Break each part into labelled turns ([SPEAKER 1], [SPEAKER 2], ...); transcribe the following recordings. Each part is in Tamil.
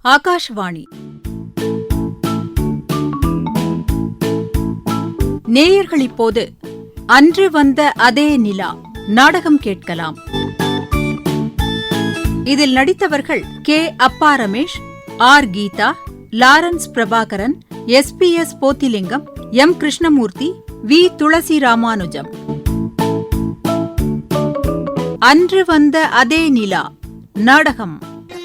[SPEAKER 1] ஆகாஷ்வாணி. நேயர்கள் இப்போது அன்று வந்த அதே நிலா நாடகம் கேட்கலாம். இதில் நடித்தவர்கள் கே. அப்பா Ramesh, R. Geetha, Lawrence Prabhakaran, S. Pothilingam, M. Krishnamurthy, V. Thulasi Ramanujam. அன்று வந்த அதே நிலா நாடகம்.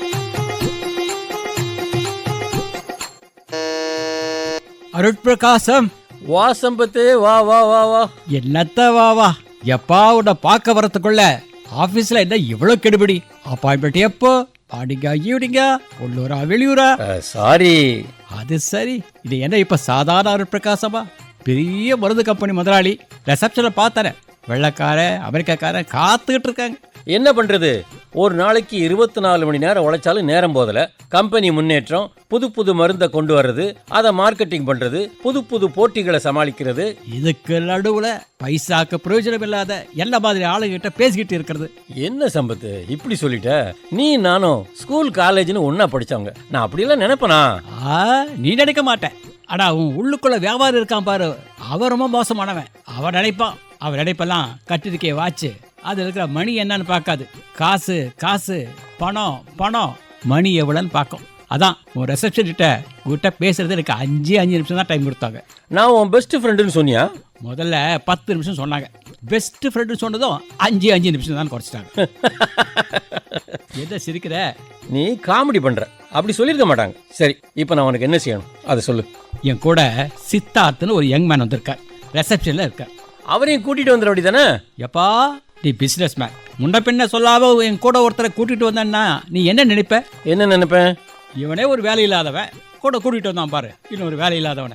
[SPEAKER 2] அருட்பிரகாசம்,
[SPEAKER 3] வா சம்பத்து, வா வா வா வா.
[SPEAKER 2] என்னத்த வா வா, எப்பா உன்னை பார்க்க வரத்துக்குள்ள ஆபீஸ்ல என்ன இவ்வளவு கெடுபிடி? அப்பாயின்மெண்ட் எப்போ? மார்னிங்கா, ஈவினிங்கா, உள்ளூரா வெளியூரா?
[SPEAKER 3] சாரி.
[SPEAKER 2] அது சரி, இது என்ன இப்ப சாதாரண அருட்பிரகாசமா? பெரிய மருந்து கம்பெனி முதலாளி. ரிசப்ஷனை பார்த்தார வெள்ளக்கார அமெரிக்காக்காரன் காத்துக்கிட்டு இருக்காங்க.
[SPEAKER 3] என்ன பண்றது, ஒரு நாளைக்கு 24 மணி நேரம் உழைச்சாலும் நேரம் போதல. கம்பெனி முன்னேற்றம், புது புது மருந்தை கொண்டு வர்றது, அதை மார்க்கெட்டிங் பண்றது, புது புது போட்டிகளை சமாளிக்கிறது.
[SPEAKER 2] இதுக்கு நடுவுல பைசாக்கு பிரயோஜனம் இல்லாத என்ன மாதிரி ஆளுகிட்ட பேசிக்கிட்டு இருக்கிறது.
[SPEAKER 3] என்ன சம்பத்து இப்படி சொல்லிட்ட? நீ நானும் ஸ்கூல் காலேஜ்னு ஒன்னா படிச்சவங்க. நான் அப்படியெல்லாம் நினைப்பனா?
[SPEAKER 2] நீ நினைக்க மாட்டேன். ஆனா உன் உள்ளுக்குள்ள வியாபாரம் இருக்கான் பாரு, அவன் ரொம்ப மோசமானவன். அவன் நினைப்பான், அவன் நினைப்பெல்லாம் கட்டிருக்கே வாச்சு, அது இருக்கிற மணி என்னன்னு பார்க்காது. காசு காசு, பணம் பணம், மணி எவ்வளோன்னு பார்க்கும். அதான் உன் ரிசப்ஷன் கிட்ட பேசுறது எனக்கு 5 நிமிஷம் தான் டைம் கொடுத்தாங்க.
[SPEAKER 3] நான் உன் பெஸ்ட் ஃப்ரெண்டுன்னு சொன்னியா?
[SPEAKER 2] முதல்ல 10 நிமிஷம் சொன்னாங்க. பெஸ்ட் ஃப்ரெண்டு சொன்னதும் 5 நிமிஷம் தான் குறைச்சிட்டாங்க. எதை சிரிக்கிற?
[SPEAKER 3] நீ காமெடி பண்ற, அப்படி சொல்லியிருக்க மாட்டாங்க. சரி, இப்போ நான் உனக்கு என்ன செய்யணும் அதை சொல்லு.
[SPEAKER 2] என் கூட சித்தார்த்துன்னு ஒரு யங் மேன் வந்திருக்கார், ரிசப்ஷன்ல இருக்கார்.
[SPEAKER 3] அவரையும் கூட்டிட்டு வந்துட அப்படி தானே?
[SPEAKER 2] எப்பா நீ பிசினஸ் மேன், முன்ன பின்ன சொல்லாம என் கூட ஒருத்தரை கூட்டிட்டு வந்தேன்னா நீ என்ன நினைப்ப?
[SPEAKER 3] என்ன நினைப்பேன்?
[SPEAKER 2] இவனே ஒரு வேலை இல்லாதவன் கூட கூட்டிட்டு வந்தான் பாரு, இன்னொரு வேலை இல்லாதவனை.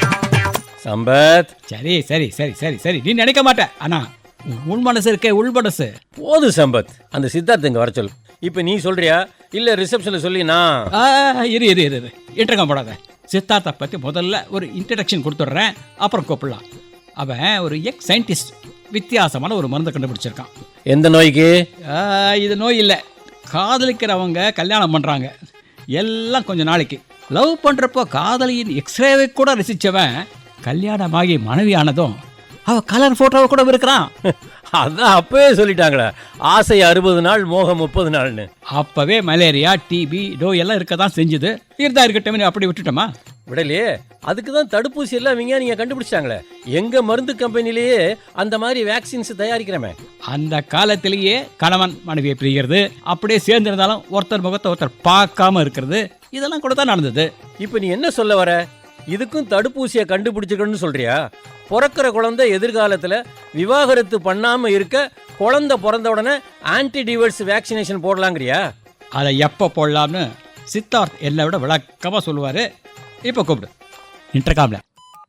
[SPEAKER 3] சம்பத்,
[SPEAKER 2] சரி சரி சரி சரி சரி, நீ நினைக்க மாட்ட. ஆனா உள் மனசு இருக்கே, உள் மனசு
[SPEAKER 3] போது சம்பத். அந்த சித்தார்த்த இங்க வர சொல்லு. இப்ப நீ சொல்றியா இல்ல ரிசப்ஷன்ல சொல்லி நான்?
[SPEAKER 2] இரு இரு இரு இரு, இன்டர்கம் போடாத. சித்தார்த்தை பத்தி முதல்ல ஒரு இன்ட்ரடக்ஷன் கொடுத்துட்றேன், அப்புறம் கூப்பிடலாம். அவன் ஒரு எக்ஸ் சயின்டிஸ்ட், வித்தியாசமான ஒரு மருந்து கண்டுபிடிச்சிருக்கான்.
[SPEAKER 3] எந்த நோய்க்கு?
[SPEAKER 2] இது நோய் இல்லை, காதலிக்கிறவங்க கல்யாணம் பண்ணுறாங்க எல்லாம் கொஞ்ச நாளைக்கு. லவ் பண்ணுறப்போ காதலியின் எக்ஸ்ரேவை கூட ரசித்தவன் கல்யாணமாகி மனைவி ஆனதும் அவள் கலர் ஃபோட்டோவை கூட இருக்கிறான்.
[SPEAKER 3] அதான் அப்பவே சொல்லிட்டாங்களே, ஆசை 60 நாள், மோகம் 30 நாள்னு.
[SPEAKER 2] அப்போவே மலேரியா, டிபி, நோய் எல்லாம் இருக்க தான் செஞ்சுது. இருந்தா இருக்கட்டும், அப்படி விட்டுட்டோமா?
[SPEAKER 3] விடலையே. அதுக்கு தான் தடுப்பூசி எல்லாம் விஞ்ஞானிங்க கண்டுபிடிச்சாங்களே. எங்க மருந்து கம்பெனிலேயே அந்த மாதிரி வேக்சின்ஸ் தயாரிக்கிறமே.
[SPEAKER 2] அந்த காலத்திலேயே கணவன் மனைவியை பிரிகிறது, அப்படியே சேர்ந்திருந்தாலும் ஒருத்தர் முகத்தை ஒருத்தர் பார்க்காம இருக்கிறது, இதெல்லாம் கூட தான் நடந்தது.
[SPEAKER 3] இப்போ நீ என்ன சொல்ல வர? இதுக்கும் தடுப்பூசியை கண்டுபிடிச்சிருக்கணும்னு சொல்றியா? பிறக்கிற குழந்தை எதிர்காலத்தில் விவாகரத்து பண்ணாம இருக்க குழந்தை பிறந்த உடனே ஆன்டி டிவர்ஸ் வேக்சினேஷன் போடலாங்கிறியா?
[SPEAKER 2] அதை எப்போ போடலாம்னு சித்தார்த் என்னை விட விளக்கமாக சொல்லுவார். இப்போ கூப்பிடு இன்டர்காம்ல.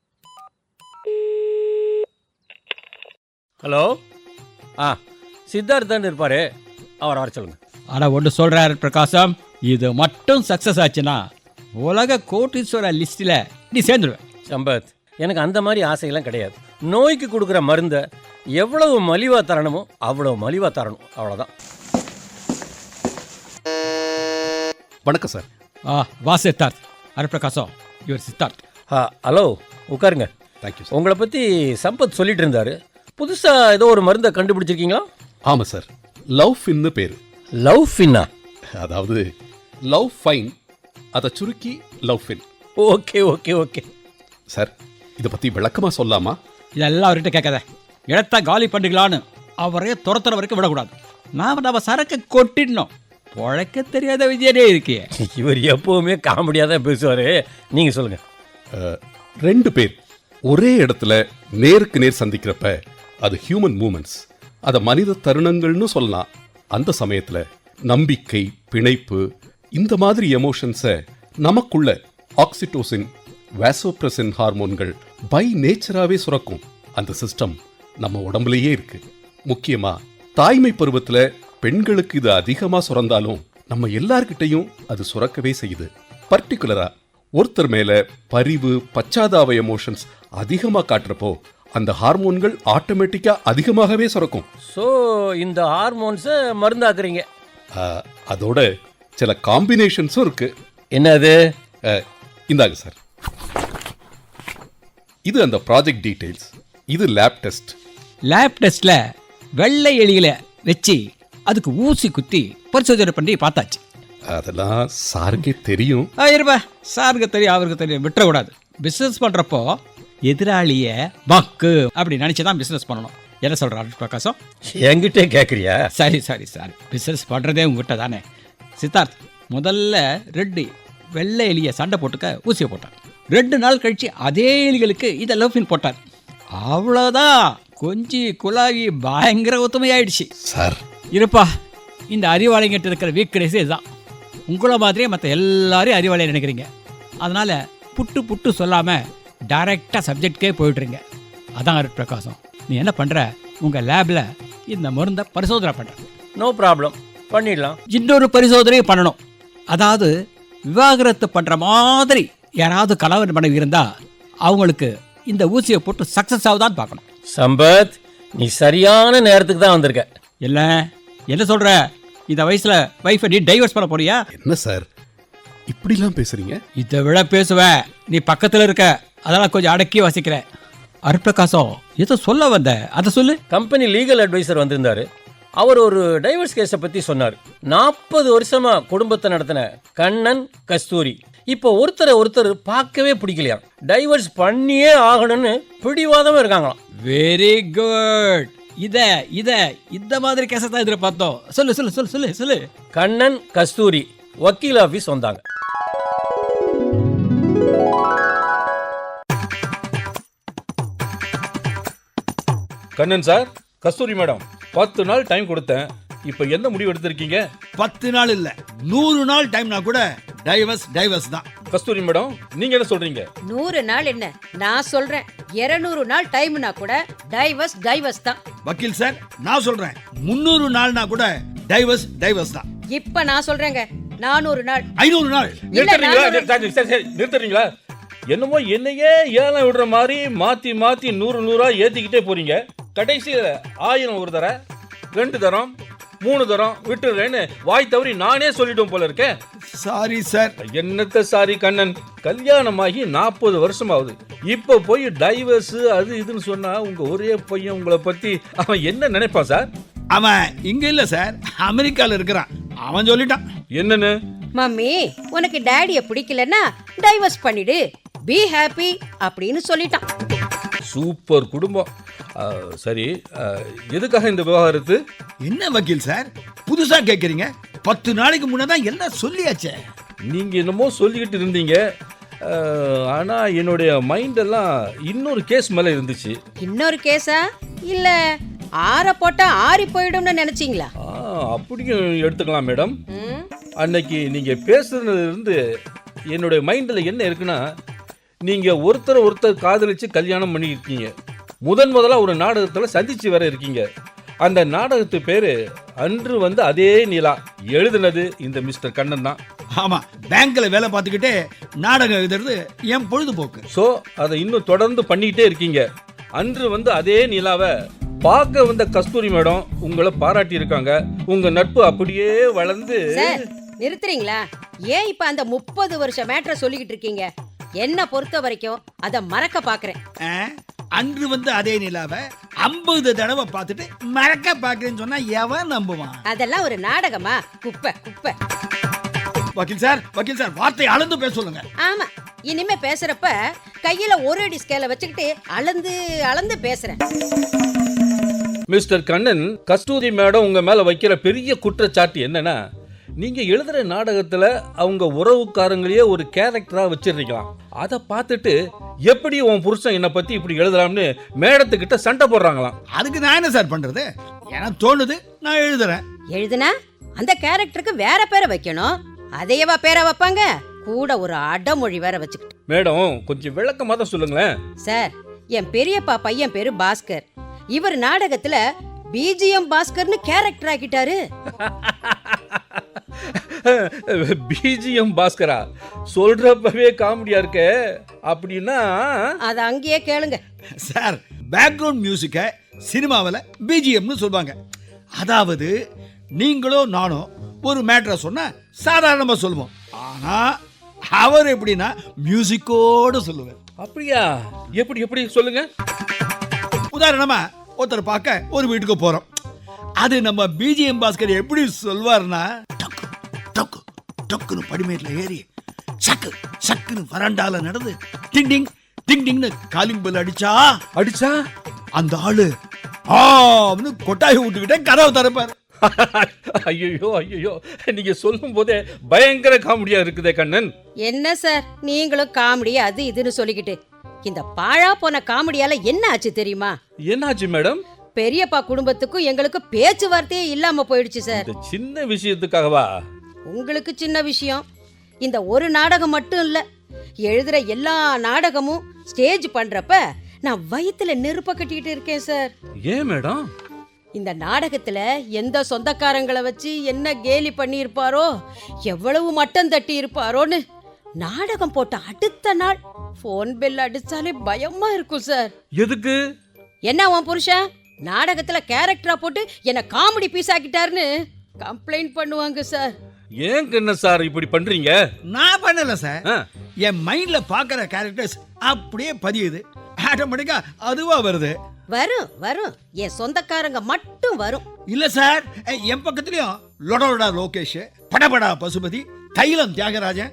[SPEAKER 3] ஹலோ, சித்தார்த் தான் இருப்பாரு, அவர் வர சொல்லுங்க.
[SPEAKER 2] ஆனால் ஒன்று சொல்கிறாரு பிரகாசம், இது மட்டும் சக்ஸஸ் ஆச்சுன்னா உலக கோட்டீஸ்வர லிஸ்ட்டில் நீ சேர்ந்துடுவேன்.
[SPEAKER 3] சம்பத், எனக்கு அந்த மாதிரி ஆசையெல்லாம் கிடையாது. நோய்க்கு கொடுக்குற மருந்தை எவ்வளவு மலிவாக தரணுமோ அவ்வளவு மலிவாக தரணும், அவ்வளோதான்.
[SPEAKER 4] வணக்கம் சார்.
[SPEAKER 2] வா சித்தார்த். ஹரிபிரகாசம், இவர் சித்தார்த்.
[SPEAKER 3] ஹலோ, உட்காருங்க.
[SPEAKER 4] Thank you sir.
[SPEAKER 3] உங்களை பற்றி சம்பத் சொல்லிட்டு இருந்தாரு. புதுசாக ஏதோ ஒரு மருந்தை கண்டுபிடிச்சிருக்கீங்களா?
[SPEAKER 4] ஆமாம் சார், லவ் ஃபின்னு பேர்.
[SPEAKER 3] லவ் ஃபின்னா?
[SPEAKER 4] அதாவது லவ் ஃபைன், அதை சுருக்கி love fin.
[SPEAKER 3] Okay okay okay
[SPEAKER 4] sir, இதை பற்றி விளக்கமாக சொல்லாமா?
[SPEAKER 2] இதெல்லாம் அவர்கிட்ட கேட்காத. இடத்த காலி பண்ணிக்கலான்னு அவரே துரத்துற வரைக்கும் விடக்கூடாது. நம்ம சரக்கு கொட்டிடணும். பொழைக்க தெரியாத விஜயனே இருக்கியே.
[SPEAKER 3] இவர் எப்பவுமே காமெடியாக தான் பேசுவார். நீங்கள் சொல்லுங்கள்.
[SPEAKER 4] 2 பேர் ஒரே இடத்துல நேருக்கு நேர் சந்திக்கிறப்ப அது ஹியூமன் மூமெண்ட்ஸ், அதை மனித தருணங்கள்னு சொல்லலாம். அந்த சமயத்தில் நம்பிக்கை, பிணைப்பு, இந்த மாதிரி எமோஷன்ஸை நமக்குள்ள ஆக்சிடோசின், வாசோப்ரெசின் ஹார்மோன்கள் பை நேச்சராகவே சுரக்கும். அந்த சிஸ்டம் நம்ம உடம்புலையே இருக்கு. முக்கியமா தாய்மை பருவத்தில் பெண்களுக்கு இது அதிகமாக சுரந்தாலும் நம்ம எல்லார்கிட்டையும் அது சுரக்கவே செய்யுது. பர்டிகுலரா ஒருத்தர் மேல பரிவு, பச்சாதாப எமோஷன்ஸ் அதிகமாக காட்டுறப்போ அந்த ஹார்மோன்கள் ஆட்டோமேட்டிக்கா அதிகமாகவே சுரக்கும்.
[SPEAKER 3] ஸோ இந்த ஹார்மோன்ஸை மருந்தாக்குறீங்க.
[SPEAKER 4] அதோட சில காம்பினேஷன்ஸும் இருக்கு.
[SPEAKER 3] என்ன அது?
[SPEAKER 4] இந்தாங்க சார். இது அந்த ப்ராஜெக்ட் டீடைல்ஸ், இது லேப் டெஸ்ட்.
[SPEAKER 2] லேப் டெஸ்ட்ல வெள்ளை எலிகளை வச்சு அதுக்கு ஊசி குத்தி பரிசோதனை பண்ணி பார்த்தாச்சு.
[SPEAKER 4] அதெல்லாம் சாருக்கே தெரியும்.
[SPEAKER 2] இருப்பா, சாருக்கு தெரியும் அவருக்கு தெரியும், விட்டுறக்கூடாது. பிஸ்னஸ் பண்ணுறப்போ எதிராளியை பக்கு அப்படி நினச்சி தான் பிஸ்னஸ் பண்ணணும். என்ன சொல்கிறாரு பிரகாசம்?
[SPEAKER 3] என்கிட்டே கேட்குறியா?
[SPEAKER 2] சரி பிஸ்னஸ் பண்ணுறதே உங்ககிட்ட தானே. சித்தார்த் முதல்ல 2 வெள்ளை எலியை சண்டை போட்டுக்க ஊசியை போட்டார். 2 நாள் கழிச்சு அதே எலிகளுக்கு இதை லவ்ஃபின் போட்டார். அவ்வளோதான், கொஞ்சி குழாவி பயங்கர ஒத்துமையாயிடுச்சு.
[SPEAKER 4] சார்
[SPEAKER 2] இருப்பா, இந்த அறிவாளிங்கிட்ட இருக்கிற வீக்னஸ் இதுதான். உங்களை மாதிரியே மற்ற எல்லாரையும் அறிவாளியை நினைக்கிறீங்க. அதனால் புட்டு சொல்லாமல் டைரெக்டாக சப்ஜெக்ட்கே போயிட்டுருங்க. அதான் அருட் பிரகாசம், நீ என்ன பண்ணுற, உங்கள் லேபில் இந்த மருந்தை பரிசோதனை பண்ணுற.
[SPEAKER 3] நோ ப்ராப்ளம், பண்ணிடலாம்.
[SPEAKER 2] இன்னொரு பரிசோதனையும் பண்ணணும். அதாவது விவாகரத்து பண்ணுற மாதிரி யாராவது கணவன் மனைவி இருந்தால் அவங்களுக்கு இந்த ஊசியை போட்டு சக்ஸஸ் ஆகுதான்னு பார்க்கணும்.
[SPEAKER 3] சம்பத், நீ சரியான நேரத்துக்கு தான் வந்திருக்க.
[SPEAKER 2] இல்லை என்ன சொல்கிற, இந்த வயசில் வைஃபை நீ டைவர்ஸ் பண்ண போறியா?
[SPEAKER 4] என்ன சார் இப்படிலாம் பேசுறீங்க?
[SPEAKER 2] இதை விட பேசுவேன், நீ பக்கத்தில் இருக்க, அதெல்லாம் கொஞ்சம் அடக்கி வசிக்கிற. அருட்பிரகாசம் ஏதோ சொல்ல வந்த, அதை சொல்லு.
[SPEAKER 3] கம்பெனி லீகல் அட்வைசர் வந்திருந்தாரு. அவர் ஒரு டைவர்ஸ் கேஸை பற்றி சொன்னார். 40 வருஷமா குடும்பத்தை நடத்தின கண்ணன் கஸ்தூரி இப்போ ஒருத்தர் பார்க்கவே பிடிக்கலையா, டைவர்ஸ் பண்ணியே ஆகணும்னு பிடிவாதமாக இருக்காங்களாம்.
[SPEAKER 2] Very good. இந்த மாதிரி கேஸை தான் எதிர்பார்த்தோம். சொல்லு சொல்லு சொல்லு சொல்லு சொல்லு.
[SPEAKER 3] கண்ணன் கஸ்தூரி வக்கீல் ஆஃபீஸ் வந்தாங்க.
[SPEAKER 5] கண்ணன் சார், கஸ்தூரி மேடம், 10 நாள் டைம் கொடுத்தேன். இப்போ என்ன முடிவு எடுத்திருக்கீங்க?
[SPEAKER 6] 10 நாள் இல்ல, 100 நாள் டைம்னா கூட டைவர்ஸ் தான்.
[SPEAKER 5] கஸ்தூரி மேடம், நீங்க என்ன சொல்றீங்க?
[SPEAKER 7] 100 நாள் என்ன, நான் சொல்றேன் 200 நாள் டைம்னா கூட டைவர்ஸ் தான்.
[SPEAKER 6] வக்கீல் சார், நான் சொல்றேன் 300 நாள்னா கூட டைவர்ஸ் தான்.
[SPEAKER 7] இப்ப நான் சொல்றேங்க 400 நாள்,
[SPEAKER 6] 500 நாள்.
[SPEAKER 5] நிறுத்துறீங்களா? என்னமோ என்னையே ஏலம் விடுற மாதிரி மாத்தி 100 ஏத்திக்கிட்டே போறீங்க. கடைசியில 1000 ஒரு தர, 2 தரம், 3 தரம் விட்டுறேன்னு வாய் தவறி நானே சொல்லிட்டோம் போல இருக்கேன்.
[SPEAKER 6] Sorry sir.
[SPEAKER 5] என்னத்த சாரி கண்ணன், கல்யாணமாகி 40 வருஷம் ஆகுது. இப்போ போய் டைவர்ஸ் அது இதுன்னு சொன்னா உங்க ஒரே பையன் உங்களை பத்தி அவன் என்ன நினைப்பான் சார்?
[SPEAKER 6] அவன் இங்க இல்ல சார், அமெரிக்கால இருக்கிறான். அவன் சொல்லிட்டான்.
[SPEAKER 5] என்னன்னு?
[SPEAKER 7] மம்மி உனக்கு டாடிய பிடிக்கலன்னா டைவர்ஸ் பண்ணிடு, பி ஹாப்பி அப்படின்னு சொல்லிட்டான்.
[SPEAKER 5] சூப்பர் குடும்பம். சரி, எதுக்காக இந்த விவாகரத்து?
[SPEAKER 6] என்ன வக்கீல் சார் புதுசா கேக்குறீங்க? 10 நாளைக்கு முன்னதான் எல்லாம் சொல்லியாச்சே.
[SPEAKER 5] நீங்க என்னமோ சொல்லிக்கிட்டு இருந்தீங்க, ஆனா என்னுடைய மைண்ட் எல்லாம் இன்னொரு கேஸ் மேல இருந்துச்சு.
[SPEAKER 7] இன்னொரு கேஸா? இல்ல ஆற போட்டா ஆறி போயிடும்னு நினைச்சீங்களா?
[SPEAKER 5] அப்படியும் எடுத்துக்கலாம் மேடம். அன்னைக்கு நீங்க பேசுறதுல இருந்து என்னுடைய மைண்டில் என்ன இருக்குன்னா, நீங்க ஒருத்தர் காதலிச்சு கல்யாணம் பண்ணியிருக்கீங்க. முதலா ஒரு நாடகத்தில் சந்திச்சு வர இருக்கீங்க. அந்த நாடகத்து பேரு அன்று வந்து அதே நிலா. எழுதுனது இந்த மிஸ்டர் கண்ணன் தான்.
[SPEAKER 6] ஆமா, பேங்க்ல வேலை பார்த்துக்கிட்டே நாடகம் எழுதுறது என் பொழுதுபோக்கு.
[SPEAKER 5] ஸோ அதை இன்னும் தொடர்ந்து பண்ணிக்கிட்டே இருக்கீங்க. அன்று வந்து அதே நிலாவை பார்க்க வந்த கஸ்தூரி மேடம் உங்களை பாராட்டி இருக்காங்க. உங்க நட்பு அப்படியே வளர்ந்து.
[SPEAKER 7] சார் நிறுத்துறீங்களா? ஏன் இப்ப அந்த 30 வருஷ மேட்டரை சொல்லிக்கிட்டு இருக்கீங்க? என்ன பொறுத்த வரைக்கும் அதை மறக்க பாக்குறேன்.
[SPEAKER 6] அன்று வந்து அதே நிலாவை 50 தடவை பார்த்துட்டு மறக்க பாக்குறேன்னு சொன்னா எவன் நம்புவான்?
[SPEAKER 7] அதெல்லாம் ஒரு நாடகமா? குப்பை.
[SPEAKER 6] வக்கீல் சார் வார்த்தை அளந்து பேச சொல்லுங்க.
[SPEAKER 7] ஆமா, இனிமே பேசுறப்ப கையில ஒரு அடி ஸ்கேல வச்சுக்கிட்டு அளந்து பேசுறேன்.
[SPEAKER 5] மிஸ்டர் கண்ணன், கஸ்தூரி மேடம் உங்க மேல வைக்கிற பெரிய குற்றச்சாட்டு என்னன்னா, நீங்க எழுதுற நாடகத்துல அவங்க உறவுக்காரங்களையே ஒரு கேரக்டரா வச்சிருக்கலாம். அதை பார்த்துட்டு எப்படி உன் புருஷன் என்னை பத்தி இப்படி எழுதலாம்னு மேடத்துக்கிட்ட சண்டை போடுறாங்களாம்.
[SPEAKER 6] அதுக்கு நான் என்ன சார் பண்றது? எனக்கு தோணுது, நான் எழுதுறேன்.
[SPEAKER 7] எழுதுனா அந்த கேரக்டருக்கு வேற பேரை வைக்கணும். அதையவா பேரை வைப்பாங்க? கூட ஒரு அடமொழி வேற வச்சுக்கிட்டு.
[SPEAKER 5] மேடம் கொஞ்சம் விளக்கமா தான் சொல்லுங்களேன்.
[SPEAKER 7] சார், என் பெரியப்பா பையன் பேரு பாஸ்கர். இவர் நாடகத்துல பிஜிஎம் பாஸ்கர்னு கேரக்டர் ஆக்கிட்டாரு.
[SPEAKER 5] பிஜிஎம் பாஸ்கரா? சொல்றப்பவே காமெடியா இருக்க. அப்படின்னா
[SPEAKER 7] அது அங்கேயே கேளுங்க
[SPEAKER 6] சார். பேக்ரவுண்ட் மியூசிக்கை சினிமாவில் பிஜிஎம்னு சொல்லுவாங்க. அதாவது நீங்களோ நானோ ஒரு மேட்டரை சொன்னா சாதாரணமா சொல்லுவோம். ஆனா அவர் எப்படின்னா மியூசிக்கோடு சொல்லுவார்.
[SPEAKER 5] அப்படியா? எப்படி எப்படி சொல்லுங்க.
[SPEAKER 6] உதாரணமா ஒருத்தர் பார்க்க ஒரு வீட்டுக்கு போறோம். அது நம்ம பிஜிஎம் பாஸ்கர் எப்படி சொல்வார்னா, டக்கு டக்கு டக்குன்னு படிமேட்ல ஏறி சக்கு சக்குன்னு வராண்டால நடந்து டிங் டிங் டிங் டிங்னு காலிங் பெல் அடிச்சா அந்த ஆளு ஆன்னு கொட்டாய் விட்டுக்கிட்டே கதவை திறப்பாரு.
[SPEAKER 5] ஐயோ ஐயோ, நீங்க சொல்லும் போதே பயங்கர காமெடியா இருக்குதே கண்ணன்.
[SPEAKER 7] என்ன சார் நீங்களும் காமெடி அது இதுன்னு சொல்லிக்கிட்டு, இந்த பாழா போன காமெடியால என்ன ஆச்சு தெரியுமா?
[SPEAKER 5] என்னாச்சு மேடம்?
[SPEAKER 7] பெரியப்பா குடும்பத்துக்கும் எங்களுக்கு பேச்சுவார்த்தையே இல்லாம போயிடுச்சு சார்.
[SPEAKER 5] இந்த சின்ன விஷயத்துக்காகவா?
[SPEAKER 7] உங்களுக்கு சின்ன விஷயம். இந்த ஒரு நாடகம் மட்டும் இல்ல, எழுதுற எல்லா நாடகமும் ஸ்டேஜ் பண்றப்ப நான் வயித்துல நெருப்ப கட்டிக்கிட்டு இருக்கேன் சார்.
[SPEAKER 5] ஏன் மேடம்?
[SPEAKER 7] இந்த நாடகத்துல எந்த சொந்தக்காரங்களை வச்சு என்ன கேலி பண்ணி இருப்பாரோ, எவ்வளவு மட்டம் தட்டி இருப்பாரோன்னு நாடகம் போட்ட அடுத்த நாள் போன் பெல் அடிச்சாலே பயமா இருக்கும் சார்.
[SPEAKER 5] எதுக்கு?
[SPEAKER 7] என்ன உன் புருஷன் நாடகத்துல கேரக்டரா போட்டு என்ன காமெடி பீஸ் ஆக்கிட்டாருன்னு கம்ப்ளைண்ட் பண்ணுவாங்க சார்.
[SPEAKER 5] ஏன் கண்ணன் சார் இப்படி பண்றீங்க?
[SPEAKER 6] நான் பண்ணல சார்.
[SPEAKER 5] ஆ.
[SPEAKER 6] என் மைண்ட்ல பாக்குற கேரக்டர்ஸ் அப்படியே பதியுது, ஆட்டோமேட்டிக்கா அதுவா வருது.
[SPEAKER 7] வரும் வரும், என் சொந்தக்காரங்க மட்டும் வரும்.
[SPEAKER 6] இல்ல சார், என் பக்கத்துலயும் லொடோடா லோகேஷ், படபடா பசுபதி, தைலம் தியாகராஜன்.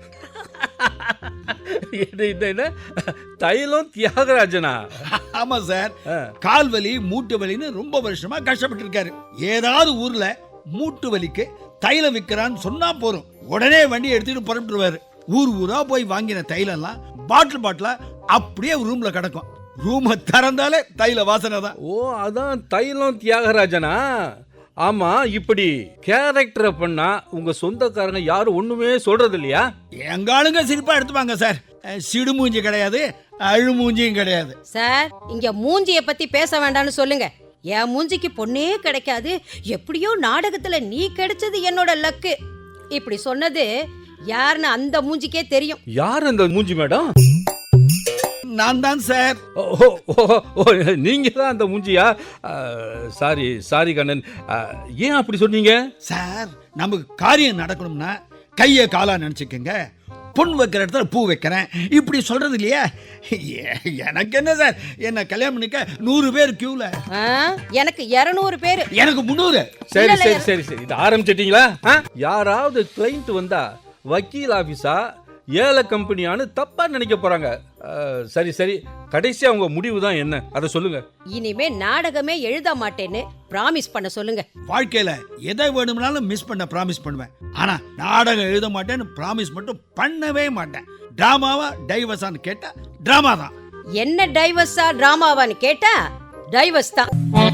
[SPEAKER 5] என்ன தைலம் தியாகராஜனா?
[SPEAKER 6] ஆமா சார், கால் வலி மூட்டு வலின்னு ரொம்ப வருஷமா கஷ்டப்பட்டு இருக்காரு. ஏதாவது ஊர்ல மூட்டு வலிக்கு தைலம் விற்கிறான்னு சொன்னா போறோம், உடனே வண்டி எடுத்துட்டு புறப்பட்டுருவாரு. ஊர் ஊரா போய் வாங்கின தைலம்லாம் பாட்டிலா அப்படியே ரூம்ல கிடக்கும். ரூமை திறந்தாலே தைல வாசனை தான்.
[SPEAKER 5] ஓ, அதான் தைலம் தியாகராஜனா? ஆமா, இப்படி கேரக்டரை பண்ணா உங்க சொந்தக்காரங்க யாரும் ஒண்ணுமே சொல்றது இல்லையா?
[SPEAKER 6] எங்க ஆளுங்க சிரிப்பா எடுத்துப்பாங்க சார். சிடு மூஞ்சி கிடையாது, அழு மூஞ்சியும் கிடையாது.
[SPEAKER 7] சார் இங்க மூஞ்சிய பத்தி பேச வேண்டாம்னு சொல்லுங்க. என் மூஞ்சிக்கு பொண்ணே கிடைக்காது, எப்படியோ நாடகத்துல நீ கிடைச்சது என்னோட லக்கு. இப்படி சொன்னது யாருன்னு அந்த மூஞ்சிக்கே தெரியும்.
[SPEAKER 5] யார் அந்த மூஞ்சி மேடம்?
[SPEAKER 6] நான் தான் சார்.
[SPEAKER 5] நீங்க தான் அந்த மூஞ்சியா? சாரி சாரி கண்ணன், ஏன் அப்படி சொன்னீங்க?
[SPEAKER 6] சார், நமக்கு காரியம் நடக்கணும்னா கைய காலா நினைச்சுக்கங்க. பொன் வைக்கிற இடத்துல பூ வைக்கிறேன் இப்படி சொல்றது இல்லையா? எனக்கு என்ன சார், என்ன கல்யாணம் பண்ணிக்க 100 பேர் கியூல,
[SPEAKER 7] எனக்கு 200 பேர்,
[SPEAKER 6] எனக்கு 300.
[SPEAKER 5] சரி சரி சரி சரி, இது ஆரம்பிச்சிட்டீங்களா? யாராவது கிளைண்ட் வந்தா வக்கீல் ஆபீஸா ஏல கம்பெனியான்னு தப்பா நினைக்க போறாங்க. சரி சரி, கடைசியா உங்க முடிவு தான் என்ன, அதை சொல்லுங்க.
[SPEAKER 7] இனிமே நாடகமே எழுத மாட்டேன்னு பிராமிஸ் பண்ண சொல்லுங்க.
[SPEAKER 6] வாழ்க்கையில எதை வேணும்னாலும் மிஸ் பண்ண பிராமிஸ் பண்ணுவேன், ஆனா நாடகம் எழுத மாட்டேன்னு பிராமிஸ் மட்டும் பண்ணவே மாட்டேன். டிராமாவா டைவர்ஸான்னு கேட்டா டிராமா தான்.
[SPEAKER 7] என்ன டைவர்ஸா டிராமாவான்னு கேட்டா டைவர்ஸ் தான்.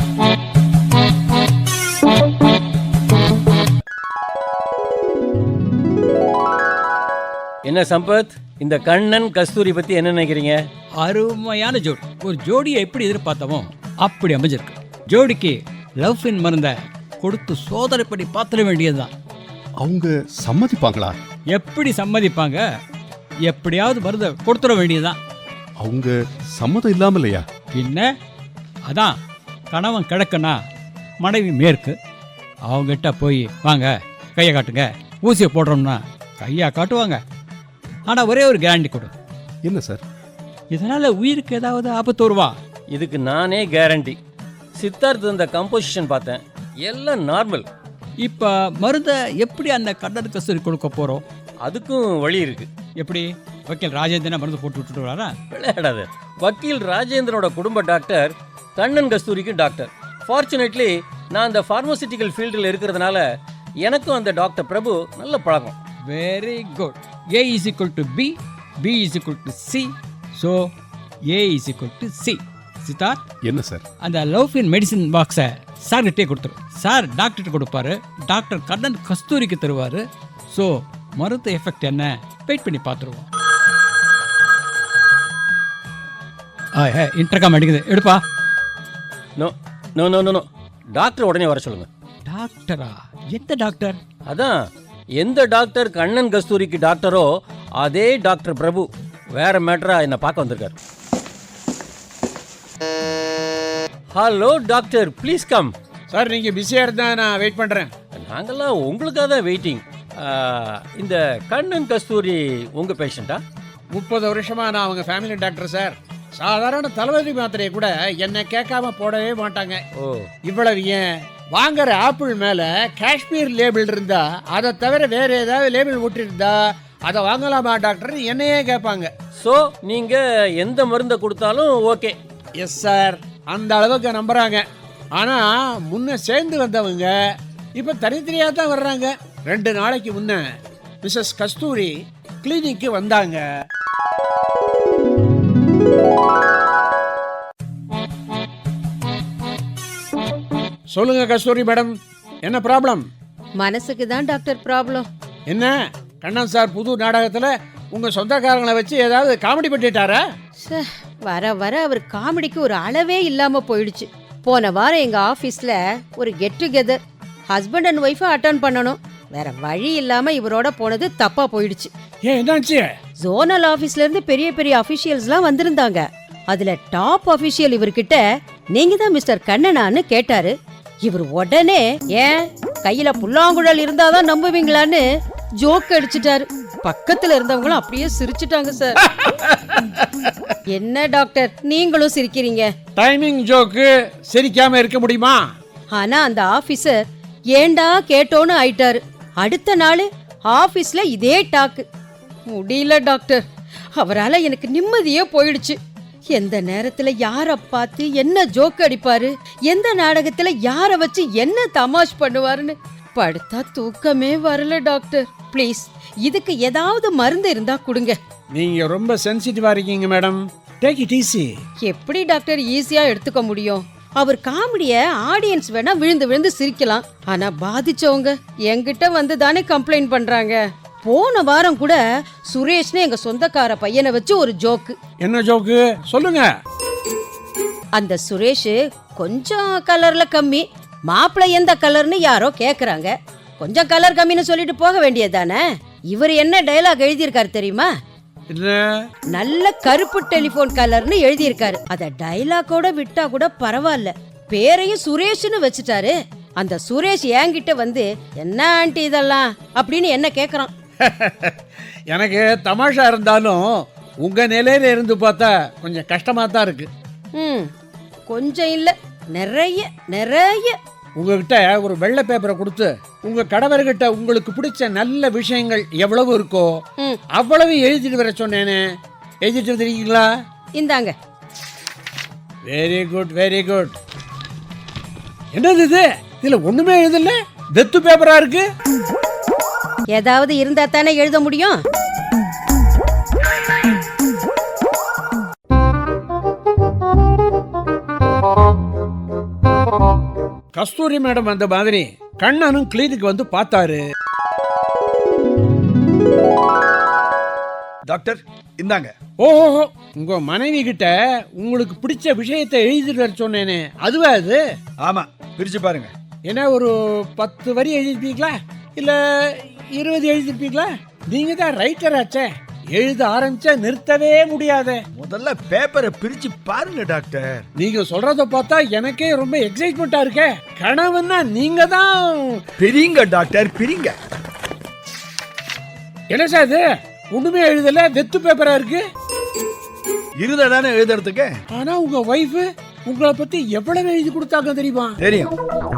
[SPEAKER 3] என்ன சம்பத், இந்த கண்ணன் கஸ்தூரி பத்தி என்ன நினைக்கிறீங்க?
[SPEAKER 2] அருமையான ஜோடி. ஒரு ஜோடியை எப்படி எதிர்பார்த்தமோ அப்படி அமைஞ்சிருக்கு. ஜோடிக்கு லவ் இன் மருந்த கொடுத்து சோதனை பண்ணி பார்த்துட வேண்டியதுதான்.
[SPEAKER 4] அவங்க சம்மதிப்பாங்களா?
[SPEAKER 2] எப்படி சம்மதிப்பாங்க? எப்படியாவது மருந்த கொடுத்துட வேண்டியதுதான்.
[SPEAKER 4] அவங்க சம்மதம் இல்லாம இல்லையா?
[SPEAKER 2] என்ன? அதான் கணவன் கிழக்குன்னா மனைவி மேற்கு. அவங்ககிட்ட போய் வாங்க கையை காட்டுங்க, ஊசியை போடுறோம்னா கையா காட்டுவாங்க. ஆனால் ஒரே ஒரு கேரண்டி கொடு.
[SPEAKER 4] என்ன சார்?
[SPEAKER 2] இதனால உயிருக்கு ஏதாவது ஆபத்து வருவா?
[SPEAKER 3] இதுக்கு நானே கேரண்டி. சித்தார்த் இந்த கம்போசிஷன் பார்த்தேன், எல்லாம் நார்மல்.
[SPEAKER 2] இப்போ மருந்தை எப்படி அந்த கண்ணன் கஸ்தூரி கொடுக்க போகிறோம்?
[SPEAKER 3] அதுக்கும் வழி இருக்கு.
[SPEAKER 2] எப்படி? வக்கீல் ராஜேந்திரன் மருந்து போட்டு விட்டுட்டு வராரா?
[SPEAKER 3] விளையாடாது. வக்கீல் ராஜேந்திரனோட குடும்ப டாக்டர், கண்ணன் கஸ்தூரிக்கு டாக்டர். ஃபார்ச்சுனேட்லி நான் அந்த ஃபார்மசிட்டிக்கல் ஃபீல்டில் இருக்கிறதுனால எனக்கும் அந்த டாக்டர் பிரபு நல்ல பழக்கம்.
[SPEAKER 2] Very good. A is equal to B, B is equal to C, so A is equal to C. Siddharth,
[SPEAKER 4] என்ன சார்?
[SPEAKER 2] அந்த லவ் இன் மெடிசின் பாக்ஸை சார்கிட்டே கொடுத்துரும். சார் டாக்டர்கிட்ட கொடுப்பாரு, டாக்டர் கண்ணன் கஸ்தூரிக்கு தருவார். ஸோ மருந்து எஃபெக்ட் என்ன வெயிட் பண்ணி பார்த்துருவோம். இன்டர்காம் அடிக்குது, எடுப்பா.
[SPEAKER 3] No no no no, doctor உடனே வர சொல்லுங்க.
[SPEAKER 2] டாக்டரா? எந்த டாக்டர்?
[SPEAKER 3] அதான் எந்த டாக்டர் கண்ணன் கஸ்தூரிக்கு டாக்டரோ அதே டாக்டர் பிரபு வேற மேட்டரா என்ன பார்க்க வந்திருக்காரு. Hello doctor, please come.
[SPEAKER 8] Sir, நீங்க பிஸியா இருந்தா நான் வெயிட் பண்றேன்.
[SPEAKER 3] நாங்கெல்லாம் உங்களுக்காக தான் வெயிட்டிங். இந்த கண்ணன் கஸ்தூரி உங்க பேஷண்டா?
[SPEAKER 8] 30 வருஷமா நான் அவங்க ஃபேமிலி டாக்டர் சார். சாதாரண தலைவலி மாத்திரையை கூட என்னை கேட்காம போடவே மாட்டாங்க.
[SPEAKER 3] ஓ,
[SPEAKER 8] இவ்வளவு ஏன் வாங்குற ஆப்பிள் மேல காஷ்மீர் லேபிள் இருந்தா அதை தவிர வேற ஏதாவது லேபிள் ஒட்டிருந்தா அதை வாங்கலாமா டாக்டர் என்னையே கேட்பாங்க.
[SPEAKER 3] ஸோ நீங்க எந்த மருந்தை கொடுத்தாலும் ஓகே?
[SPEAKER 8] எஸ் சார், அந்த அளவுக்கு நம்புறாங்க. ஆனா முன்ன சேர்ந்து வந்தவங்க இப்ப தனித்தனியா தான் வர்றாங்க. 2 நாளைக்கு முன்ன மிஸ்ஸஸ் கஸ்தூரி கிளினிக்கு வந்தாங்க. சொல்லுங்க கஸ்தூரி மேடம், என்ன ப்ராப்ளம்?
[SPEAKER 7] மனசுக்கு தான் டாக்டர் ப்ராப்ளம்.
[SPEAKER 8] என்ன கண்ணன் சார் புது நாடகத்துல உங்க சொந்தக்காரங்களை வச்சு ஏதாவது காமெடி பண்ணிட்டாரா?
[SPEAKER 7] வர வர அவர் காமெடிக்கு ஒரு அளவே இல்லாம போயிடுச்சு. போன வாரம் எங்க ஆபீஸ்ல ஒரு கெட் டுகெதர் ஹஸ்பண்ட் அண்ட் ஒய்ஃபை அட்டெண்ட் பண்ணணும். வேற வழி இல்லாம இவரோட போனது தப்பா போயிடுச்சு.
[SPEAKER 8] ஏன் என்னாச்சு?
[SPEAKER 7] ஜோனல் ஆபீஸ்ல இருந்து பெரிய பெரிய அபிஷியல்ஸ்லாம் வந்திருந்தாங்க. அதுல டாப் அபிஷியல் இவர்கிட்ட நீங்க தான் மிஸ்டர் கண்ணனான்னு கேட்டாரு. இவர் உடனே ஏன் கையில புல்லாங்குழல் இருந்தாதான் நம்புவீங்களான்னு ஜோக் அடிச்சிட்டாரு. பக்கத்துல இருந்தவங்களும் அப்படியே சிரிச்சிட்டாங்க சார். என்ன டாக்டர் நீங்களும் சிரிக்கிறீங்க?
[SPEAKER 8] டைமிங் ஜோக்கு சிரிக்காம இருக்க முடியுமா?
[SPEAKER 7] ஆனா அந்த ஆபீசர் ஏண்டா கேட்டோன்னு ஆயிட்டாரு. அடுத்த நாள் ஆபீஸ்ல இதே டாக்கு. முடியல டாக்டர், அவரால எனக்கு நிம்மதியே போயிடுச்சு. எந்த நேரத்துல யார பார்த்து என்ன ஜோக் அடிப்பாரு, எந்த நாடகத்துல யார வச்சு என்ன தமாஷ் பண்ணுவாருன்னு படுத்தா தூக்கமே வரல டாக்டர். ப்ளீஸ் இதுக்கு ஏதாவது மருந்து இருந்தா கொடுங்க.
[SPEAKER 8] நீங்க ரொம்ப சென்சிட்டிவா இருக்கீங்க மேடம். Take it easy.
[SPEAKER 7] எப்படி டாக்டர் ஈஸியா எடுத்துக்க முடியும்? அவர் காமெடிய ஆடியன்ஸ் வேணா விழுந்து விழுந்து சிரிக்கலாம், ஆனா பாதிச்சவங்க என்கிட்ட வந்து தானே கம்ப்ளைண்ட் பண்றாங்க. போன வாரம் கூட சுரேஷ்னு எங்க சொந்தக்கார பையனை வச்சு ஒரு ஜோக்கு.
[SPEAKER 8] என்ன ஜோக்கு சொல்லுங்க.
[SPEAKER 7] அந்த சுரேஷ் கொஞ்சம் கலர்ல கம்மி, மாப்பிள்ளை எந்த கலர்னு யாரோ கேக்குறாங்க. கொஞ்சம் கலர் கம்மின்னு சொல்லிட்டு போக வேண்டியதானே. இவர் என்ன டயலாக் எழுதியிருக்காரு தெரியுமா? நல்ல கருப்பு டெலிபோன் கலர்னு எழுதியிருக்காரு. அத டயலாக்கோட விட்டா கூட பரவாயில்ல, பேரையும் சுரேஷ்னு வச்சுட்டாரு. அந்த சுரேஷ் என்கிட்ட வந்து என்ன ஆண்டி இதெல்லாம் அப்படின்னு என்ன கேக்குறான்.
[SPEAKER 8] எனக்கு தமாஷா இருந்தாலும் உங்க நிலையில இருந்து பார்த்தா கொஞ்சம் கஷ்டமா தான் இருக்கு.
[SPEAKER 7] கொஞ்சம் இல்ல, நிறைய நிறைய.
[SPEAKER 8] உங்ககிட்ட ஒரு வெள்ளை பேப்பரை கொடுத்து உங்க கடவர்கிட்ட உங்களுக்கு பிடிச்ச நல்ல விஷயங்கள் எவ்வளவு இருக்கோ அவ்வளவு எழுதிட்டு வர சொன்னேனே, எழுதிட்டு வந்துருக்கீங்களா?
[SPEAKER 7] இந்தாங்க.
[SPEAKER 8] Very good very good. என்னது இது? இதுல ஒண்ணுமே எழுதல, வெத்து பேப்பரா இருக்கு.
[SPEAKER 7] ஏதாவது இருந்தா தானே எழுத முடியும்.
[SPEAKER 8] கஸ்தூரி மேடம் அந்த மாதிரி கண்ணனும் கிளினிக் வந்து பார்த்தாரு.
[SPEAKER 6] டாக்டர் இந்தாங்க.
[SPEAKER 8] ஓஹோ, உங்க மனைவி கிட்ட உங்களுக்கு பிடிச்ச விஷயத்தை எழுதிட்டு வர சொன்னேனே அதுவா அது?
[SPEAKER 6] ஆமா, பிரிச்சு பாருங்க.
[SPEAKER 8] என்ன ஒரு 10 வரி எழுதிருப்பீங்களா இல்ல 20 எழுதிருப்பீங்களா? நீங்க தான் ரைட்டர் ஆச்சே, எழுத ஆரம்பிச்சா நிறுத்தவே முடியாதே.
[SPEAKER 6] முதல்ல பேப்பரை பிரிச்சு பாருங்க டாக்டர்.
[SPEAKER 8] நீங்க சொல்றத பார்த்தா எனக்கே ரொம்ப எக்ஸைட்மெண்டா இருக்கே. கனவுன்னா நீங்க தான்.
[SPEAKER 6] பிரிங்க டாக்டர், பிரிங்க.
[SPEAKER 8] என்ன சார் இது? ஒண்ணுமே எழுதல, வெத்து பேப்பரா இருக்கு.
[SPEAKER 6] இருத தானே எழுதுறதுக்கு.
[SPEAKER 8] ஆனா உங்க வைஃப் உங்களை பத்தி எவ்வளவு எழுதி கொடுத்தாங்க தெரியுமா?
[SPEAKER 6] தெரியும்.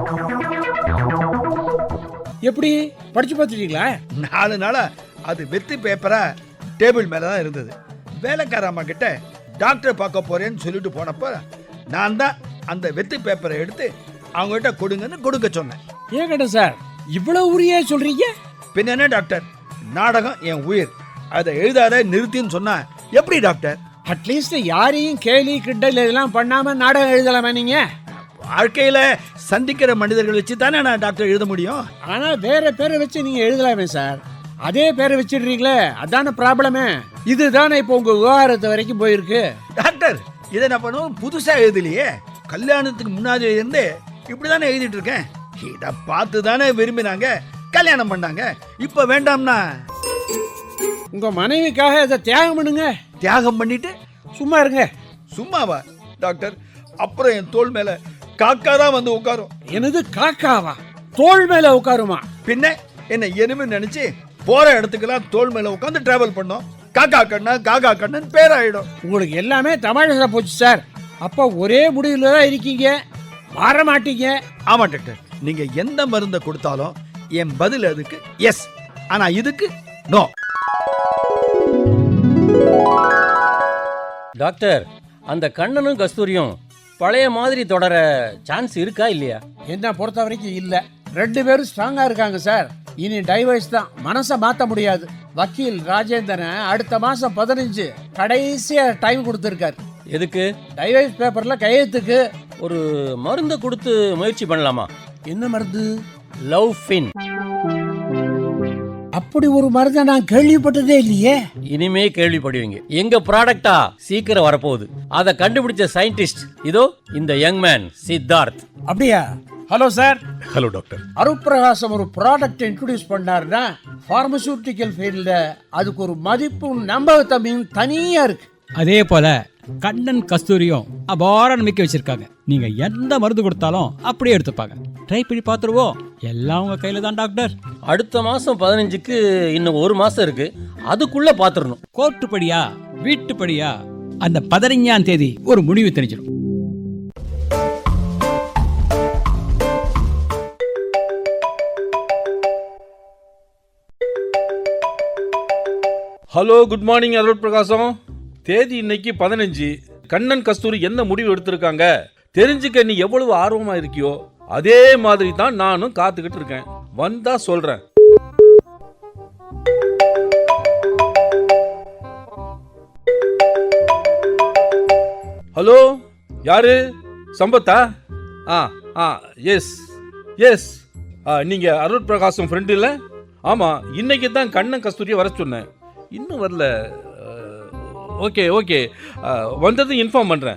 [SPEAKER 8] எப்படி படிச்சு பார்த்துட்டீங்களா?
[SPEAKER 6] 4 நாளா அது வெத்து பேப்பரா டேபிள் மேல தான் இருந்தது. வேலைக்கார அம்மா கிட்ட டாக்டர் பார்க்க போறேன்னு சொல்லிட்டு போனப்ப நான் தான் அந்த வெத்து பேப்பரை எடுத்து அவங்க கிட்ட கொடுங்கன்னு கொடுக்க சொன்னேன்.
[SPEAKER 8] ஏன் கேட்ட சார் இவ்வளவு உரியா சொல்றீங்க?
[SPEAKER 6] பின்ன என்ன டாக்டர், நாடகம் என் உயிர், அதை எழுதாத நிறுத்தின்னு சொன்னா எப்படி டாக்டர்?
[SPEAKER 8] அட்லீஸ்ட் யாரையும் கேலி கிண்டல் இதெல்லாம் பண்ணாம நாடகம் எழுதலாமா நீங்க?
[SPEAKER 6] வாழ்க்கையில சந்திக்கிற மனிதர்கள் வச்சு தானே நான் டாக்டர் எழுத முடியும்.
[SPEAKER 8] ஆனா வேற பேரை வச்சு நீங்க எழுதலாமே சார். அதே பேரை வச்சிடுறீங்களே, அதான ப்ராப்ளமே. இதுதானே இப்போ உங்க விவகாரத்து வரைக்கும் போயிருக்கு.
[SPEAKER 6] டாக்டர் இதை நான் பண்ணுவோம் புதுசா எழுதலையே, கல்யாணத்துக்கு முன்னாடி இருந்து இப்படிதானே எழுதிட்டு இருக்கேன். இதை பார்த்து தானே விரும்பினாங்க, கல்யாணம் பண்ணாங்க. இப்ப வேண்டாம்னா
[SPEAKER 8] உங்க மனைவிக்காக இதை தியாகம் பண்ணுங்க.
[SPEAKER 6] தியாகம் பண்ணிட்டு
[SPEAKER 8] சும்மா இருங்க.
[SPEAKER 6] சும்மாவா டாக்டர்? அப்புறம் என் தோள் மேல காக்கா தான் வந்து உட்காரும்.
[SPEAKER 8] எனது காக்காவா? தோள் மேல உட்காருமா?
[SPEAKER 6] பின்ன என்ன எனிமே நினைச்சு போற இடத்துக்கெல்லாம் தோள் மேல உட்காந்து டிராவல் பண்ணோம். காக்கா கண்ணன் பேராயிடும்.
[SPEAKER 8] உங்களுக்கு எல்லாமே தமாஷா போச்சு சார். அப்போ ஒரே முடிவுல தான் இருக்கீங்க, மாற மாட்டீங்க.
[SPEAKER 6] ஆமா டாக்டர், நீங்க எந்த மருந்தை கொடுத்தாலும் என் பதில் அதுக்கு எஸ், ஆனா இதுக்கு நோ.
[SPEAKER 3] டாக்டர், அந்த கண்ணனும் கஸ்தூரியும் பழைய மாதிரி தொடர சான்ஸ் இருக்கா இல்லையா?
[SPEAKER 8] என்ன பொறுத்த வரைக்கும் இல்ல. 2 பேரும் ஸ்ட்ராங்கா இருக்காங்க சார். இனி டைவர்ஸ் தான், மனசை மாத்த முடியாது. வக்கீல் ராஜேந்திரன் அடுத்த மாசம் 15 கடைசியா டைம் கொடுத்திருக்காரு.
[SPEAKER 3] எதுக்கு?
[SPEAKER 8] டைவர்ஸ் பேப்பர்ல கையெழுத்துக்கு.
[SPEAKER 3] ஒரு மருந்தை கொடுத்து முயற்சி பண்ணலாமா?
[SPEAKER 8] என்ன மருந்து?
[SPEAKER 3] Love fin.
[SPEAKER 8] அப்படி ஒரு மருந்தை நான் கேள்விப்பட்டதே இல்லையே.
[SPEAKER 3] இனிமே கேள்விப்படுவீங்க. எங்க ப்ராடக்டா சீக்கிரம் வரப்போகுது. அதை கண்டுபிடிச்ச சயின்டிஸ்ட் இதோ இந்த யங் மேன் சித்தார்த்.
[SPEAKER 8] அப்படியா? Hello sir.
[SPEAKER 4] Hello doctor.
[SPEAKER 8] Arutprakasam ஒரு ப்ராடக்ட் இன்ட்ரோடியூஸ் பண்ணாருன்னா பார்மசூட்டிக்கல் ஃபீல்ட்ல அதுக்கு ஒரு மதிப்பும் நம்பகத்தன்மையும் தனியா இருக்கு.
[SPEAKER 2] அதே போல கண்ணன் கஸ்தூரியும் அபார நம்பிக்கை வச்சிருக்காங்க. நீங்க எந்த மருந்து கொடுத்தாலும் அப்படியே எடுத்துப்பாங்க. ட்ரை பண்ணி பார்த்துருவோம். எல்லாம் உங்க கையில தான் டாக்டர்.
[SPEAKER 3] அடுத்த மாசம் 15க்கு இன்னும் 1 மாசம் இருக்கு. அதுக்குள்ள பாத்துறணும்.
[SPEAKER 2] கோர்ட்டு படியா வீட்டு படியா அந்த 15ஆம் தேதி ஒரு முடிவு தெரிஞ்சிடும்.
[SPEAKER 5] ஹலோ, குட் மார்னிங் அருள் பிரகாசம். தேதி இன்னைக்கு 15. கண்ணன் கஸ்தூரி என்ன முடிவு எடுத்திருக்காங்க தெரிஞ்சுக்க நீ எவ்வளவு ஆர்வமா இருக்கியோ அதே மாதிரி தான் நானும் காத்துக்கிட்டு இருக்கேன். வந்தா சொல்றேன். ஹலோ, யாரு? சம்பத்தா? Yes yes. நீங்க அருள் பிரகாசம் ஃப்ரெண்ட் இல்ல? ஆமா, இன்னைக்கு தான் கண்ணன் கஸ்தூரியை வர சொன்னேன். இன்னும் வரல. ஓகே ஓகே, வந்ததும் இன்ஃபார்ம் பண்றேன்.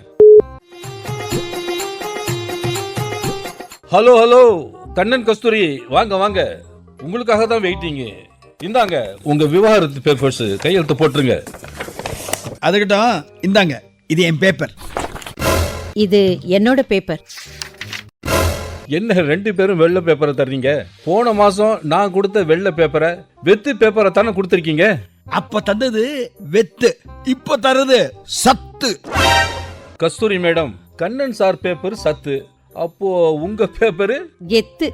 [SPEAKER 5] ஹலோ ஹலோ, கண்ணன் கஸ்தூரி வாங்க வாங்க, உங்களுக்காக தான் வெயிட்டிங். இந்தாங்க உங்க விவாகரத்து பேப்பர்ஸ், கையெழுத்து போட்டுருங்க.
[SPEAKER 6] அதுக்கிட்டும் இந்தாங்க, இது என் பேப்பர்.
[SPEAKER 7] இது என்னோட பேப்பர்.
[SPEAKER 5] என்ன 2 பேரும் வெள்ளை பேப்பரை தர்றீங்க? போன மாசம் நான் கொடுத்த வெள்ளை பேப்பரை வெத்து பேப்பரை தானே கொடுத்துருக்கீங்க.
[SPEAKER 6] அப்ப தந்தது வெத்து, இப்ப தரது சத்து.
[SPEAKER 5] Kasturi madam, Kannan sir paper சத்து, அப்போ உங்க பேப்பரு
[SPEAKER 7] கெத்து.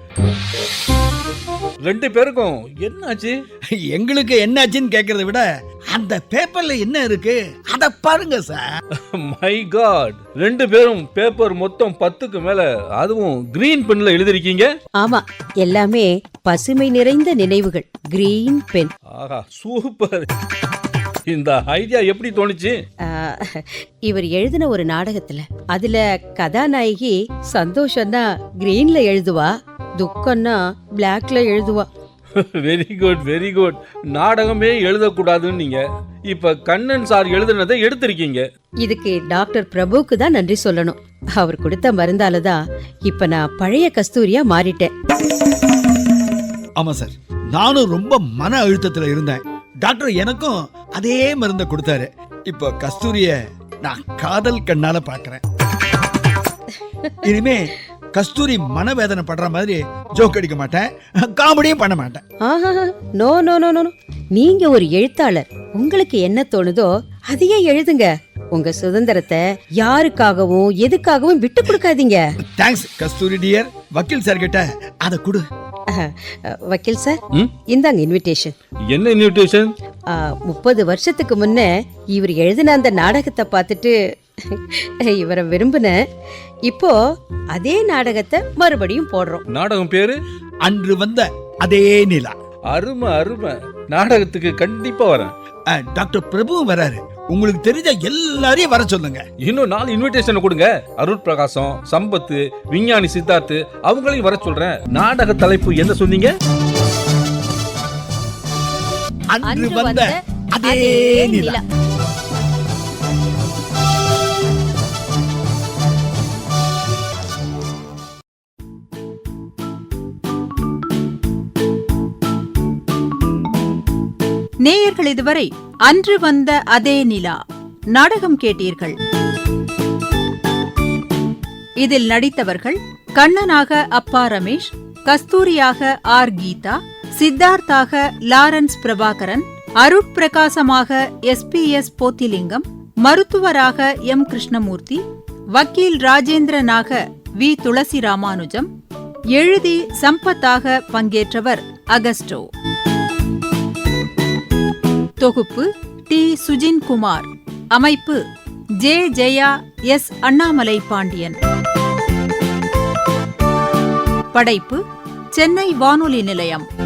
[SPEAKER 5] 2 பேருக்கும் என்னாச்சு?
[SPEAKER 6] எங்களுக்கு என்னாச்சுன்னு கேக்குறத விட அந்த பேப்பர்ல என்ன இருக்கு அத பாருங்க சார்.
[SPEAKER 5] மை காட், 2 பேரும் பேப்பர் மொத்தம் 10க்கு மேல, அதுவும் கிரீன் பென்ல எழுதிருக்கீங்க.
[SPEAKER 7] ஆமா, எல்லாமே பசுமை நிறைந்த நினைவுகள். Green pen.
[SPEAKER 5] ஆஹா, சூப்பர். இந்த ஐடியா எப்படி தோணுச்சு?
[SPEAKER 7] இவர் எழுதின ஒரு நாடகத்துல, அதுல கதாநாயகி சந்தோஷம்னா கிரீன்ல எழுதுவா, துக்கம்னா பிளாக்ல எழுதுவா.
[SPEAKER 5] Very good very good. நாடகமே எழுதக்கூடாதுன்னு நீங்க இப்ப கண்ணன் சார் எழுதுனதை எடுத்திருக்கீங்க.
[SPEAKER 7] இதுக்கு டாக்டர் பிரபுக்கு தான் நன்றி சொல்லணும். அவர் கொடுத்த மருந்தாலதான் இப்ப நான் பழைய கஸ்தூரியா மாறிட்டேன்.
[SPEAKER 6] ஆமா சார், நானும் ரொம்ப மன அழுத்தத்துல இருந்தேன். டாக்டர் எனக்கும் அதே மருந்தை கொடுத்தாரு. இப்போ கஸ்தூரிய நான் காதல் கண்ணால பாக்குறேன். இனிமே கஸ்தூரி மனவேதனை படுற மாதிரி ஜோக் அடிக்க மாட்டேன், காமெடியும் பண்ண மாட்டேன்.
[SPEAKER 7] நோ நோ நோ நோ, நீங்க ஒரு எழுத்தாளர். உங்களுக்கு என்ன தோணுதோ அதையே எழுதுங்க. உங்க சுதந்திரத்தை யாருக்காகவும் எதுக்காகவும் விட்டு கொடுக்காதீங்க.
[SPEAKER 6] Thanks Kasturi dear. வக்கீல் சார் கிட்ட அதை கொடு.
[SPEAKER 7] வக்கீல் சார், இந்தாங்க இன்விடேஷன்.
[SPEAKER 5] என்ன இன்விடேஷன்?
[SPEAKER 7] 30 வருஷத்துக்கு முன்ன இவர் எழுதின அந்த நாடகத்தை பார்த்துட்டு இவரை விரும்பின. இப்போ அதே நாடகத்தை மறுபடியும் போடுறோம்.
[SPEAKER 5] நாடகம் பேரு
[SPEAKER 6] அன்று வந்த அதே நிலா.
[SPEAKER 5] அருமை அருமை. நாடகத்துக்கு கண்டிப்பா வரேன்.
[SPEAKER 6] டாக்டர் பிரபு வராரு. உங்களுக்கு தெரிஞ்ச எல்லாரையும் வர சொல்லுங்க.
[SPEAKER 5] இன்னும் 4 இன்விடேஷன் கொடுங்க. அருள் பிரகாசம், சம்பத்து, விஞ்ஞானி சித்தார்த்து, அவங்களையும் வர சொல்றேன். நாடக தலைப்பு என்ன சொன்னீங்க?
[SPEAKER 6] அன்று வந்த அதே நிலா.
[SPEAKER 1] நேயர்கள் இதுவரை அன்று வந்த அதே நிலா நாடகம் கேட்டீர்கள். இதில் நடித்தவர்கள் கண்ணனாக அப்பா ரமேஷ், கஸ்தூரியாக ஆர் கீதா, சித்தார்த்தாக லாரன்ஸ் பிரபாகரன், அருட்பிரகாசமாக SPS போத்திலிங்கம், மருத்துவராக M கிருஷ்ணமூர்த்தி, வக்கீல் ராஜேந்திரனாக V துளசி ராமானுஜம், எழுதி சம்பத்தாக பங்கேற்றவர் அகஸ்டோ. தொகுப்பு T சுஜின்குமார். அமைப்பு J ஜெயா, S அண்ணாமலை பாண்டியன். படைப்பு சென்னை வானொலி நிலையம்.